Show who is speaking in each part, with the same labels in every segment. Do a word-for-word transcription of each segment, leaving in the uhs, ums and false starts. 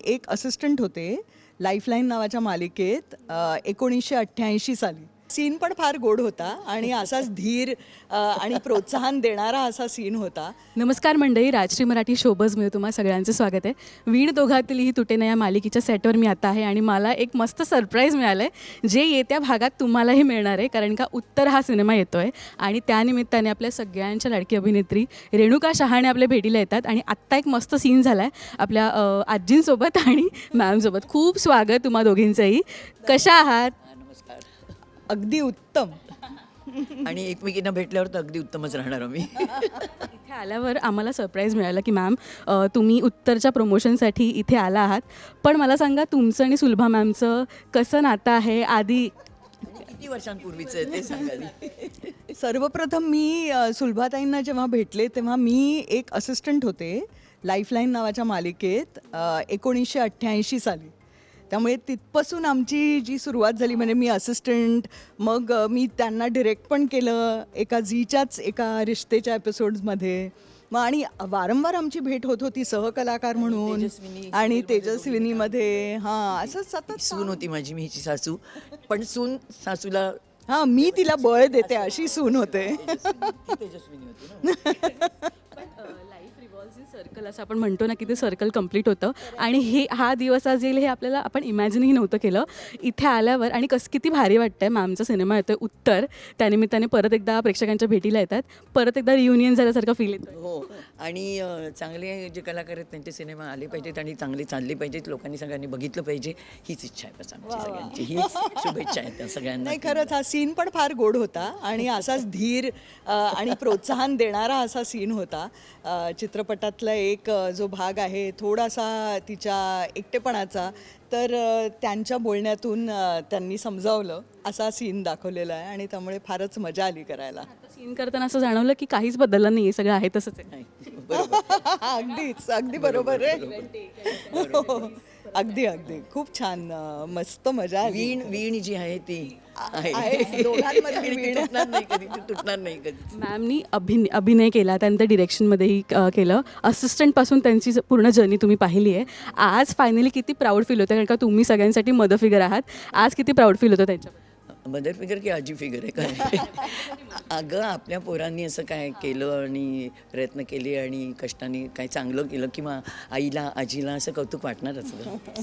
Speaker 1: एक असिस्टंट होते लाईफलाईन नावाच्या मालिकेत एकोणीसशे अठ्ठ्याऐंशी साली. सीन पण फार गोड होता आणि असाच धीर अ, आणि प्रोत्साहन देणारा असा सीन होता.
Speaker 2: नमस्कार मंडळी, राजश्री मराठी शोबजमध्ये तुम्हा सगळ्यांचं स्वागत आहे. वीण दोघातील ही तुटेना या मालिकेच्या सेटवर मी आता आहे आणि मला एक मस्त सरप्राईज मिळालं आहे जे येत्या भागात तुम्हालाही मिळणार आहे, कारण का उत्तर हा सिनेमा येतो आहे आणि त्यानिमित्ताने आपल्या सगळ्यांच्या लाडकी अभिनेत्री रेणुका शहाणे आपल्या भेटीला येतात आणि आत्ता एक मस्त सीन झाला आहे आपल्या अ, आजींसोबत आणि मॅमसोबत. खूप स्वागत तुम्हा दोघींचंही. कशा आहात?
Speaker 3: नमस्कार.
Speaker 1: अगदी उत्तम.
Speaker 3: आणि एकमेकींना भेटल्यावर तर अगदी उत्तमच राहणार आम्ही.
Speaker 2: इथे आल्यावर आम्हाला सरप्राईज मिळालं की मॅम अ, तुम्ही उत्तरच्या प्रमोशनसाठी इथे आला आहात. पण मला सांगा, तुमचं आणि सुलभा मॅमचं कसं नातं आहे? आधी
Speaker 3: किती वर्षांपूर्वीचं आहे ते सांगाल?
Speaker 1: सर्वप्रथम मी अ, सुलभाताईंना जेव्हा भेटले तेव्हा मी एक असिस्टंट होते लाईफलाईन नावाच्या मालिकेत अ, एकोणीसशे अठ्ठ्याऐंशी साली. त्यामुळे तिथपासून आमची जी सुरुवात झाली, म्हणजे मी असिस्टंट, मग अ, मी त्यांना डिरेक्ट पण केलं एका झीच्याच एका रिश्तेच्या एपिसोड्समध्ये. मग आणि वारंवार आमची भेट होत होती सहकलाकार म्हणून
Speaker 3: तेजस्विनी
Speaker 1: आणि तेजस्विनीमध्ये. हां, असं सतत
Speaker 3: सून होती माझी, मी हिची सासू. पण सून सासूला
Speaker 1: हां, मी तिला बळ देते अशी सून होते.
Speaker 3: ती तेजस्विनी होती ना.
Speaker 2: लाईफ रिव्हॉल्व्स इन सर्कल असं आपण म्हणतो ना, की ते सर्कल कंप्लीट होतं आणि हे हा दिवस आज येईल हे आपल्याला आपण इमॅजिनही नव्हतं केलं. इथे आल्यावर आणि कसं किती भारी वाटतं आहे. मॅमचा सिनेमा येतो आहे उत्तर, त्यानिमित्ताने परत एकदा प्रेक्षकांच्या भेटीला येतात, परत एकदा रियुनियन झाल्यासारखं फील येतं.
Speaker 3: हो, आणि अ, चांगले जे कलाकार आहेत त्यांचे सिनेमा आले पाहिजेत आणि चांगले चालले पाहिजेत, लोकांनी सगळ्यांनी बघितलं पाहिजे, हीच इच्छा आहे बस आमची सगळ्यांची. हीच शुभेच्छा आहेत त्या सगळ्यांना.
Speaker 1: नाही, खरंच हा सीन पण फार गोड होता आणि असाच धीर अ, आणि प्रोत्साहन देणारा असा सीन होता. अ, चित्रपटातला एक अ, जो भाग आहे थोडासा तिच्या एकटेपणाचा, तर अ, त्यांच्या बोलण्यातून अ, त्यांनी समजावलं असा सीन दाखवलेला आहे आणि त्यामुळे फारच मजा आली करायला.
Speaker 2: सीन करताना असं जाणवलं की काहीच बदललं नाही आहे, सगळं आहे तसंच आहे.
Speaker 3: नाही, बरोबर.
Speaker 1: अगदीच, अगदी बरोबर आहे. हो, अगदी अगदी खूप छान, अ, मस्त मजा आली.
Speaker 3: वीण वीण जी आहे ती
Speaker 1: आहे,
Speaker 3: आहे.
Speaker 1: दोघांमधली
Speaker 3: आणि ती
Speaker 1: वीण.
Speaker 3: तुटणार नाही कधी, ती तुटणार नाही कधी.
Speaker 2: मॅमनी अभिनय अभिनय केला, त्यानंतर डिरेक्शनमध्येही अ, केलं. असिस्टंटपासून त्यांची ज- पूर्ण जर्नी तुम्ही पाहिली आहे. आज फायनली किती प्राऊड फील होतं, कारण का तुम्ही सगळ्यांसाठी मदर फिगर आहात. आज किती प्राऊड फील होतं त्यांच्याबद्दल?
Speaker 3: मदर फिगर की आजी फिगर आहे काय? अगं, आपल्या पोरांनी असं काय केलं आणि प्रयत्न केले आणि कष्टाने काय चांगलं केलं किंवा आईला आजीला असं कौतुक वाटणारच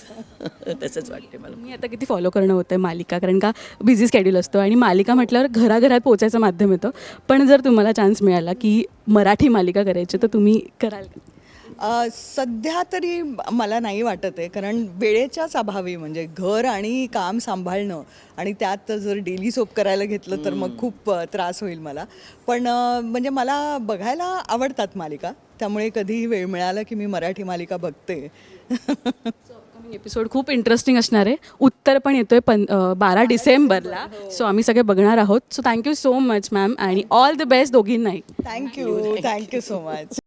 Speaker 3: गं. तसंच वाटते मला.
Speaker 2: मी आता किती फॉलो करणं होतं आहे मालिका, कारण का बिझी स्केड्यूल असतो आणि मालिका म्हटल्यावर घराघरात पोचायचं माध्यम येतं. पण जर तुम्हाला चान्स मिळाला की मराठी मालिका करायची तर तुम्ही कराल का?
Speaker 1: अ, सध्या तरी मला नाही वाटत आहे, कारण वेळेच्याच अभावी, म्हणजे घर आणि काम सांभाळणं आणि त्यात जर डेली सोप करायला घेतलं तर मग खूप अ, त्रास होईल मला. पण अ, म्हणजे मला बघायला आवडतात मालिका, त्यामुळे कधीही वेळ मिळाला की मी मराठी मालिका बघते.
Speaker 2: एपिसोड खूप इंटरेस्टिंग असणार आहे. उत्तर पण येतोय पं अ, बारा डिसेंबरला. सो आम्ही सगळे बघणार आहोत. So thank you so much ma'am आणि ऑल द बेस्ट दोघींनाही.
Speaker 1: Thank you, thank you so much.